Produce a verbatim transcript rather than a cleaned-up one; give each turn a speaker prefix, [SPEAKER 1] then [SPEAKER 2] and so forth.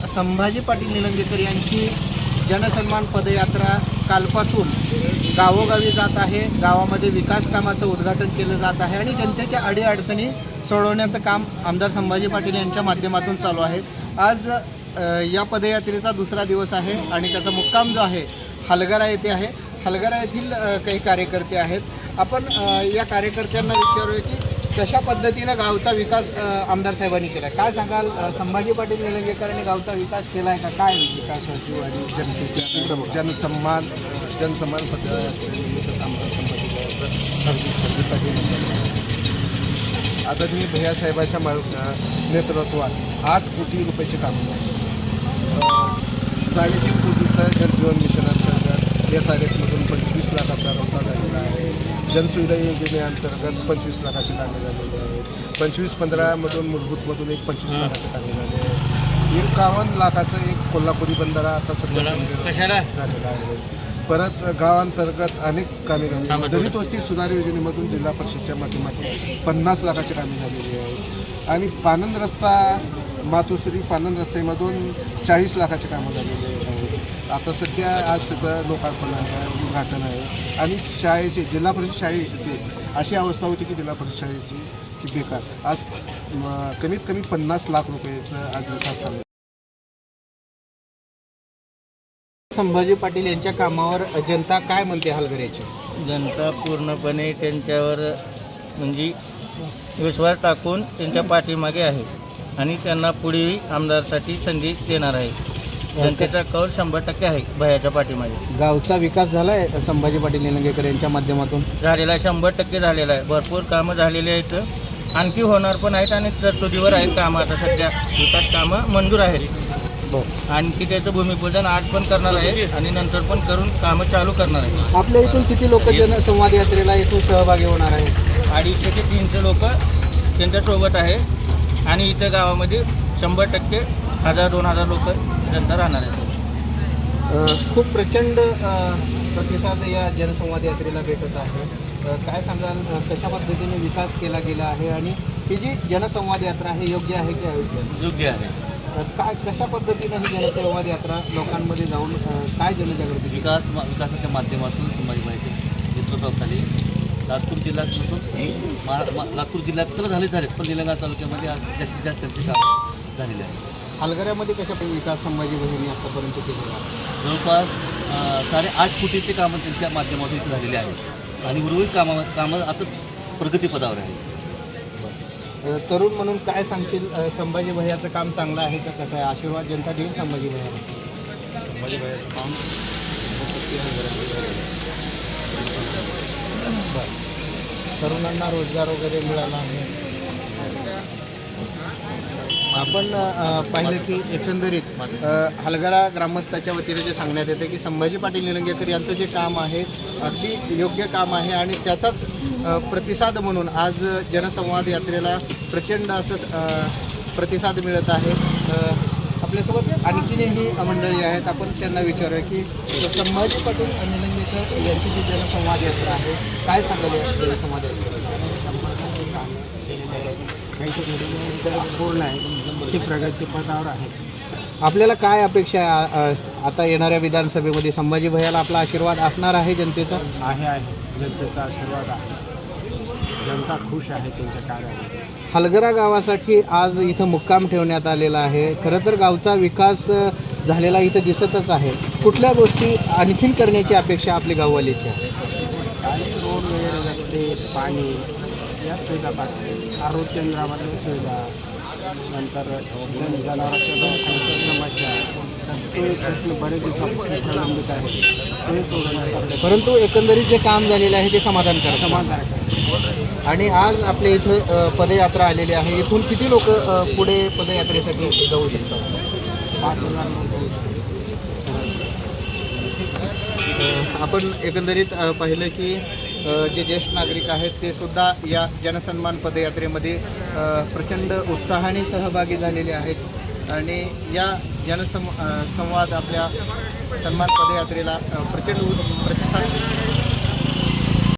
[SPEAKER 1] संभाजी पाटील निलंगेकर यांची जनसन्मान पदयात्रा कालपासून गावोगावी जात आहे। गावामध्ये विकास कामाचं उद्घाटन केलं जात आहे आणि जनतेच्या अडीअडचणी सोडवण्याचं काम आमदार संभाजी पाटील यांच्या माध्यमातून चालू आहे। आज या पदयात्रेचा दुसरा दिवस आहे आणि त्याचा मुक्काम जो आहे हलगरा येथे आहे। हलगरा येथील काही कार्यकर्ते आहेत। आपण या कार्यकर्त्यांना विचारूया की कशा पद्धतीने गावचा विकास आमदार साहेबांनी केला, काय सांगाल? संभाजी पाटील निलंगेकरांनी गावचा विकास केला आहे का? काय विकासाची आणि जनतेच्या
[SPEAKER 2] जनसन्मान जनसन्मान पदयात्रेनिमित्त आमदार संभाजी आदरणीय भैयासाहेबांच्या नेतृत्वात आठ कोटी रुपयाचे काम साडेतीन कोटीचा जलजीवन मिशन अंतर्गत एस आर एफमधून पंचवीस लाखाचा रस्ता झालेला आहे। जनसुविधा योजनेअंतर्गत पंचवीस लाखाची कामे झालेली आहेत। पंचवीस पंधरामधून मूलभूतमधून एक पंचवीस लाखाची कामे झाले आहेत। एकावन्न लाखाचं एक कोल्हापुरी बंधारा आता सध्या झालेला आहे। परत गावांतर्गत अनेक कामे झाली। दलित वस्ती सुधार योजनेमधून जिल्हा परिषदेच्या माध्यमातून पन्नास लाखाची कामे झालेली आहेत आणि पानंद रस्ता मातोश्री पानंद रस्त्यामधून चाळीस लाखाची कामं झालेली आहेत। आता सध्या आज त्याचं लोकार्पण आहे, उद्घाटन आहे आणि शाळेचे जिल्हा परिषद शाळेची अशी अवस्था होती की जिल्हा परिषद शाळेची की बेकार, आज कमीत कमी पन्नास लाख रुपयाचं आज विकास काम।
[SPEAKER 1] संभाजी पाटील यांच्या कामावर जनता काय म्हणते? हलगऱ्याची
[SPEAKER 3] जनता पूर्णपणे त्यांच्यावर म्हणजे विश्वास टाकून त्यांच्या पाठीमागे आहे आणि त्यांना पुढे आमदारसाठी संधी देणार आहे। जनतेचा कौल शंभर टक्के आहे भयाच्या पाठीमागे।
[SPEAKER 1] गावचा विकास झाला आहे संभाजी पाटील निलंगेकर यांच्या माध्यमातून
[SPEAKER 3] झालेला आहे, शंभर टक्के झालेला आहे। भरपूर कामं झालेली आहेत, आणखी होणार पण आहेत आणि तरतुदीवर आहेत कामं। आता सध्या विकास कामं मंजूर आहेत, आणखी त्याचं भूमिपूजन आज पण करणार आहे आणि नंतर पण करून कामं चालू करणार आहे।
[SPEAKER 1] आपल्या इथून किती लोक जनसंवाद यात्रेला इथून सहभागी होणार आहेत?
[SPEAKER 3] अडीचशे ते तीनशे लोक त्यांच्यासोबत आहे आणि इथं गावामध्ये शंभर टक्के हजार दोन हजार लोक जनता राहणार आहेत।
[SPEAKER 1] खूप प्रचंड प्रतिसाद या जनसंवाद यात्रेला भेटत आहे। काय सांगाल, कशा पद्धतीने विकास केला गेला आहे आणि ही जी जनसंवाद यात्रा आहे योग्य आहे की अयोग्य?
[SPEAKER 3] योग्य आहे।
[SPEAKER 1] काय कशा पद्धतीने ही जनसंवाद यात्रा लोकांमध्ये जाऊन काय जनजागृती?
[SPEAKER 4] विकास विकासाच्या माध्यमातून संभाजीबाईच्या नेतृत्वाखाली लातूर जिल्ह्यात लातूर जिल्ह्यात तर झाले झालेत पण निलंगा तालुक्यामध्ये आज जास्तीत जास्त त्यांचे काम झालेले आहे।
[SPEAKER 1] हलगऱ्यामध्ये कशा विकास संभाजी बहिणी आतापर्यंत केलेला आहे?
[SPEAKER 4] जवळपास साडेआठ कोटीचे कामं त्यांच्या माध्यमातून इथे झालेले आहेत आणि उर्वरित कामा कामं आताच प्रगतीपदावर आहे।
[SPEAKER 1] तरुण म्हणून काय सांगशील, संभाजी भैयाचं काम चांगलं आहे का कसं आहे? आशीर्वाद जनता देईल संभाजी भैया?
[SPEAKER 4] संभाजी भैयाचं काम
[SPEAKER 1] तरुणांना रोजगार वगैरे मिळाला आहे। आपण पाहिलं की एकंदरीत हलगरा ग्रामस्थाच्या वतीने जे सांगण्यात येते की संभाजी पाटील निलंगेकर यांचं जे काम आहे अगदी योग्य काम आहे आणि त्याचाच प्रतिसाद म्हणून आज जनसंवाद यात्रेला प्रचंड असं प्रतिसाद मिळत आहे। आपल्यासोबत आणखीनही मंडळी आहेत, आपण त्यांना विचारूया की संभाजी पाटील निलंगेकर यांची जी जनसंवाद यात्रा आहे काय सांगाल या जनसंवाद यात्रेला?
[SPEAKER 2] पूर्ण आहे ते प्रगतीपथावर आहे।
[SPEAKER 1] आपल्याला काय अपेक्षा आहे आता येणाऱ्या विधानसभेमध्ये? संभाजी भैयाला आपला आशीर्वाद असणार आहे जनतेचा?
[SPEAKER 2] आहे आहे जनतेचा आशीर्वाद आहे, जनता खुश आहे त्यांच्या कार्यामध्ये।
[SPEAKER 1] हलगरा गावासाठी आज इथं मुक्काम ठेवण्यात आलेला आहे। खरं तर गावचा विकास झालेला इथं दिसतच आहे। कुठल्या गोष्टी आणखीन करण्याची अपेक्षा आपली गाववालीची आहे?
[SPEAKER 2] काही रोड वगैरे, रस्ते, पाणी या सुविधा पाहिजे, आरोग्य केंद्रामधल्या सुविधा, नंतर जनावरांच्या दवाखान्याच्या समस्या, ते प्रश्न बरेच दिवसापासून प्रलंबित आहे ते सोडवण्याचा।
[SPEAKER 1] परंतु एकंदरीत जे काम झालेलं आहे ते समाधानकारक
[SPEAKER 2] समाधानकारक आहे।
[SPEAKER 1] आणि आज आपल्या इथं पदयात्रा आलेली आहे। इथून किती लोक पुढे पदयात्रेसाठी जाऊ शकतात?
[SPEAKER 2] पाच हजार लोक।
[SPEAKER 1] आपण एकंदरीत पाहिलं की जे ज्येष्ठ नागरिक आहेत ते सुद्धा या जनसन्मान पदयात्रेमध्ये प्रचंड उत्साहाने सहभागी झालेले आहेत आणि या जनसं संवाद आपल्या सन्मान पदयात्रेला प्रचंड प्रतिसाद